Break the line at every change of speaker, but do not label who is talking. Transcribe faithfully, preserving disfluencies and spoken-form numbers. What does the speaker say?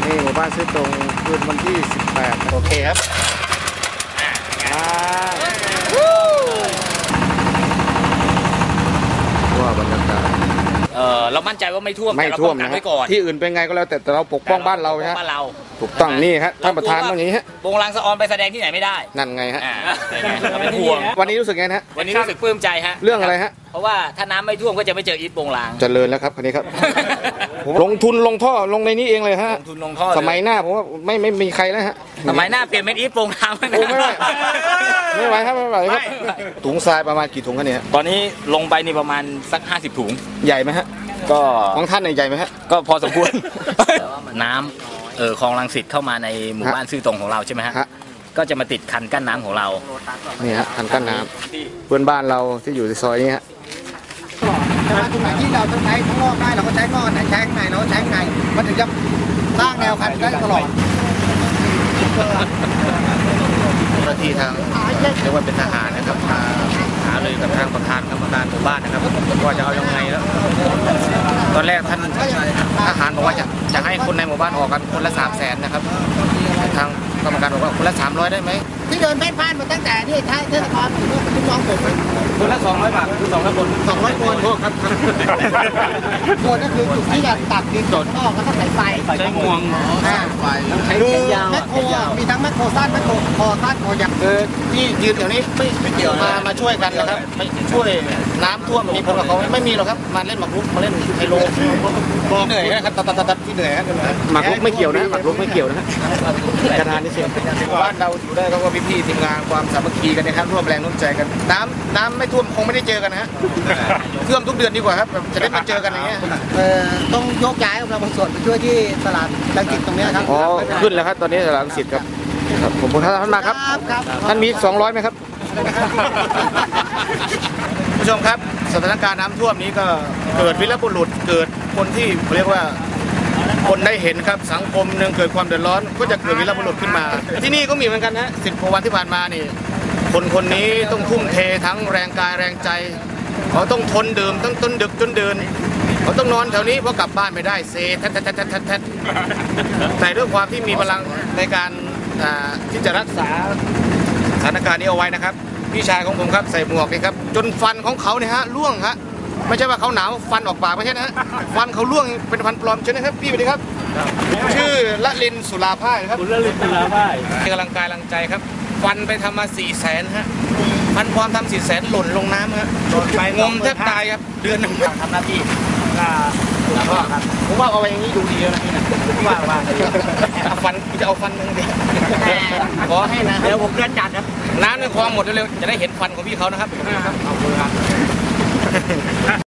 นี่หมู่บ้านซื้อตรงคืนวันที่สิบแปดโอเคครับว่าบรรยากาศ
เออเรามั่นใจว่าไม่ท่วม
ไม่ท่วมนะที่อื่นเป็นไงก็แล้วแต่เราปกป้องบ้านเราฮะถูกต้องนี่ฮะท่านประธานต้องอย่างนี้ฮะ
วงลังสะออนไปแสดงที่ไหนไม่ได้
นั่นไงฮะ
เป็นห่วง
วันนี้รู้สึกไงฮะ
วันนี้รู้สึกปลื้มใจฮะ
เรื่องอะไรฮะ
เพราะว่าถ้าน้ำไม่ท่วมก็จะไม่เจออีทวงลาง
เจริญแล้วครับคันนี้ครับลงทุนลงท่อลงในนี้เองเลยฮะ
ลงทุนลงท่อ
สมัยหน้าผมว่าไม่ไม่มีใครแล้วฮะ
สมัยหน้าเปลี่ยนเป็นอีทวงลางไม่
ไหวไม่ไหวครับไม่ไหวครับถุงทรายประมาณกี่ถุงกันเนี่ย
ตอนนี้ลงไปนี่ประมาณสักห้าสิบถุง
ใหญ่ไหมฮะ
ก็
ของท่านใหญ่ไหมฮะ
ก็พอสมควรน้ำเออคลองรังสิตเข้ามาในหมู่บ้านซื่อตรงของเราใช่ไหมฮะก็จะมาติดคันกั้นน้ำของเรา
นี่ฮะคันกั้นน้ำเพื่อนบ้านเราที่อยู่ในซอยนี้ฮะ
แต่ว่าตรงไหนที่เราต้องใช้ข้างนอกได้เราก็ใช้ข้างนอกไหนใช้ข้างในเราก็ใช้ข้างในมันถึงจะสร้างแนวคันได้ตลอด
เจ้าหน้าที่ทางเรียกว่าเป็นทหารนะครับมาหาเลยกับทางประธานกรรมการหมู่บ้านนะครับว่าจะเอายังไงแล้วตอนแรกท่านทหารบอกว่าจะจะให้คนในหมู่บ้านออกกันคนละสามแสนนะครับทางกรรมการบอกว่าคนละสามร้อยได้ไหม
ที่เดินแพ่นพ่านมาตั้งแต่ที่ท้ายเทศบาลถึงลูกน้องผม
คนละสองร้อยบาทคือสองร้อยคน
สองร้อยคนโทษครับคนก็คือจุดที่จะตัดดินจดออกแล้วก็ใส่ไฟ
ใช้งวง
ไฟใช้ยาวแมคโครมีทั้งแมคโครสั้นแมคโครคอสั้นคอยาว
เออที่ยืนแถวนี้ไม่ไม่เกี่ยวมามาช่วยกันนะครับช่วยน้ำท่วมมีผลกับเขาไม่มีหรอกครับมาเล่นหมากรุกมาเล่นไฮโลบอกเหนื่อยนะครับตัดตัดตัดที่เหนื่อยครับหมากรุกไม่เกี่ยวนะหมากรุกไม่เกี่ยวนะกระดานนี่เสียบ้านเราอยู่ได้เขาก็พี่ๆทีมงานความสามัคคีกันนะครับร่วมแรงร่วมใจกันน้ำน้ำไม่ท่วมคงไม่ได้เจอกันนะฮะท่วมทุกเดือนดีกว่าครับจะได้มาเจอกันอย่างเงี้ย
เออต้องยกย้ายเราบางส่วนไปช่วยที่ตลาดรังสิตตรงนี้ครับ
อ๋อขึ้นแล้วครับตอนนี้ตลาดรังสิตครับครับผมท่านมาครับท่านมีสองร้อยไหมครับผู้ชมครับสถานการณ์น้ำท่วมนี้ก็เกิดวีรบุรุษเกิดคนที่เรียกว่าคนได้เห็นครับสังคมหนึ่งเกิดความเดือดร้อนก็จะเกิดวีรบุรุษขึ้นมาที่นี่ก็มีเหมือนกันนะสิบกว่าวันที่ผ่านมานี่คนคนนี้ต้องทุ่มเททั้งแรงกายแรงใจเขาต้องทนดื่มตั้งต้นดึกจนเดินเขาต้องนอนแถวนี้เพราะกลับบ้านไม่ได้เซแทดแทดแทดแทดแทดแต่ด้วยความที่มีพลังในการที่จะรักษาสถานการณ์นี้เอาไว้นะครับพี่ชายของผมครับใส่หมวกนี่ครับจนฟันของเขาเนี่ยฮะร่วงฮะไม่ใช่ว่าเขาหนาวฟันออกปากไม่ใช่นะฟันเขาร่วงเป็นฟันปลอมใช่ไหมครับพี่สวัสดีครับชื่อละลินสุราพ่ายครับ
คุณละลินสุราพ่าย
กำลังกายกำลังใจครับฟันไปทำมาสี่แสนฮะฟันปลอมทำสี่แสนหล่นลงน้ำฮะหล่นไปงมแทบตายครับเดือนหนึ่ง
ทำหน้าที่
ครับผมว่าเอาไปอย่างนี้ดูดีแล้วนะพี่นะว่าว่าเอาฟันจะเอาฟันมึงดิขอให้นะ
เดี๋ยวผมเลื่อนจัดครับ
น้ำในคลองหมดเร็วๆจะได้เห็นฟันของพี่เขานะครับขอบคุณครับ